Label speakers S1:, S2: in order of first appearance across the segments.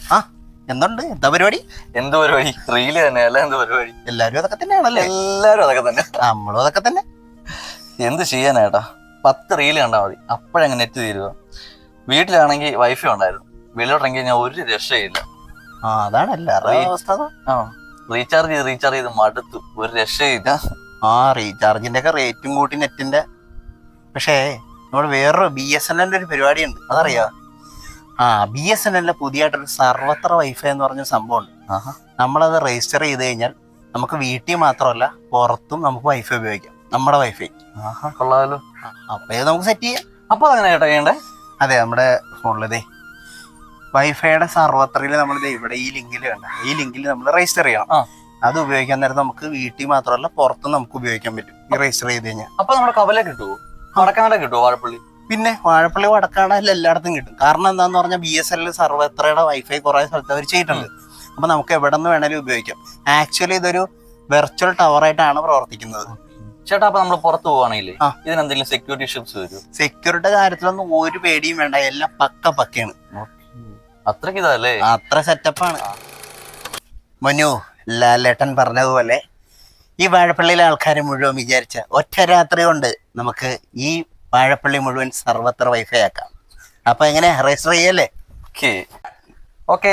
S1: ആ എന്തുണ്ട്? എന്താ പരിപാടി?
S2: എന്ത് പരിപാടി? റീല് തന്നെ അല്ല എന്ത് പരിപാടി?
S1: എല്ലാരും അതൊക്കെ തന്നെയാണല്ലേ?
S2: എല്ലാരും അതൊക്കെ തന്നെ.
S1: നമ്മളും അതൊക്കെ തന്നെ.
S2: എന്ത് ചെയ്യാനേട്ടാ, 10 റീല് കണ്ടാൽ മതി, അപ്പോഴങ്ങ് നെറ്റ് തീരുക. വീട്ടിലാണെങ്കിൽ വൈഫൈ ഉണ്ടായിരുന്നു, വെളിയിലിറങ്ങി കഴിഞ്ഞാൽ ഒരു രക്ഷയില്ല.
S1: അതാണ് എല്ലാവരുടെയും അവസ്ഥ.
S2: ആ റീചാർജ് ചെയ്ത് മടുത്തു, ഒരു രക്ഷയില്ല.
S1: റീചാർജിന്റെ ഒക്കെ റേറ്റും കൂട്ടി നെറ്റിന്റെ. പക്ഷേ നമ്മൾ വേറൊരു BSNL ഒരു പരിപാടി ഉണ്ട്, അതറിയാ? BSNL പുതിയതായിട്ടൊരു സർവത്ര വൈഫൈ എന്ന് പറഞ്ഞ സംഭവമുണ്ട്. നമ്മളത് രജിസ്റ്റർ ചെയ്ത് കഴിഞ്ഞാൽ നമുക്ക് വീട്ടിൽ മാത്രമല്ല പുറത്തും നമുക്ക് വൈഫൈ ഉപയോഗിക്കാം, നമ്മുടെ വൈഫൈ.
S2: കൊള്ളാമല്ലോ.
S1: അപ്പൊ ഇത് നമുക്ക് സെറ്റ് ചെയ്യാം.
S2: അപ്പൊ അങ്ങനെ ചേട്ടാ ചെയ്യണ്ടേ?
S1: അതെ, നമ്മുടെ ഫോണിലതേ വൈഫൈയുടെ സർവത്രയിൽ നമ്മൾ ഇവിടെ ഈ ലിങ്കിൽ വേണ്ട, ഈ ലിങ്കിൽ നമ്മൾ രജിസ്റ്റർ ചെയ്യണം. അത് ഉപയോഗിക്കാൻ നേരം നമുക്ക് വീട്ടിൽ മാത്രമല്ല പുറത്തും നമുക്ക് ഉപയോഗിക്കാൻ പറ്റും ഈ രജിസ്റ്റർ ചെയ്ത് കഴിഞ്ഞാൽ.
S2: അപ്പൊ നമ്മുടെ കവല കിട്ടുമോ, വടക്കാനട കിട്ടുമോ? വാഴപ്പള്ളി?
S1: പിന്നെ വാഴപ്പള്ളി വടക്കാണെല്ലാം എല്ലായിടത്തും കിട്ടും. കാരണം എന്താന്ന് പറഞ്ഞാൽ BSNL സർവത്രയുടെ വൈഫൈ കുറെ സ്ഥലത്ത് അവർ ചെയ്തിട്ടുണ്ട്. അപ്പൊ നമുക്ക് എവിടെ നിന്ന് വേണേലും ഉപയോഗിക്കാം. ആക്ച്വലി ഇതൊരു വെർച്വൽ ടവർ ആയിട്ടാണ് പ്രവർത്തിക്കുന്നത്.
S2: ചേട്ടാ, അപ്പൊ നമ്മൾ പുറത്ത് പോവാണെങ്കിൽ ഇതിനെന്തെങ്കിലും സെക്യൂരിറ്റി ഇഷ്യൂസ് വരും?
S1: സെക്യൂരിറ്റി കാര്യത്തിലൊന്നും ഒരു പേടിയും വേണ്ട, എല്ലാം പക്കയാണ്.
S2: അത്രക്ക് ഇതല്ലേ?
S1: അത്ര സെറ്റപ്പാണ്. മനു, ലാലേട്ടൻ പറഞ്ഞതുപോലെ ഈ വാഴപ്പള്ളിയിലെ ആൾക്കാരെ മുഴുവൻ വിചാരിച്ച ഒറ്റ രാത്രി കൊണ്ട് നമുക്ക് ഈ വാഴപ്പള്ളി മുഴുവൻ സർവത്ര വൈഫൈ ആക്കാം. അപ്പൊ എങ്ങനെ രജിസ്റ്റർ ചെയ്യല്ലേ?
S2: ഓക്കെ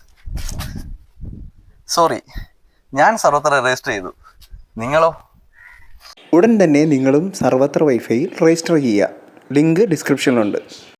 S2: സോറി, ഞാൻ സർവത്ര രജിസ്റ്റർ ചെയ്തു, നിങ്ങളോ?
S3: ഉടൻ തന്നെ നിങ്ങളും സർവത്ര വൈഫൈയിൽ രജിസ്റ്റർ ചെയ്യുക. ലിങ്ക് ഡിസ്ക്രിപ്ഷനിലുണ്ട്.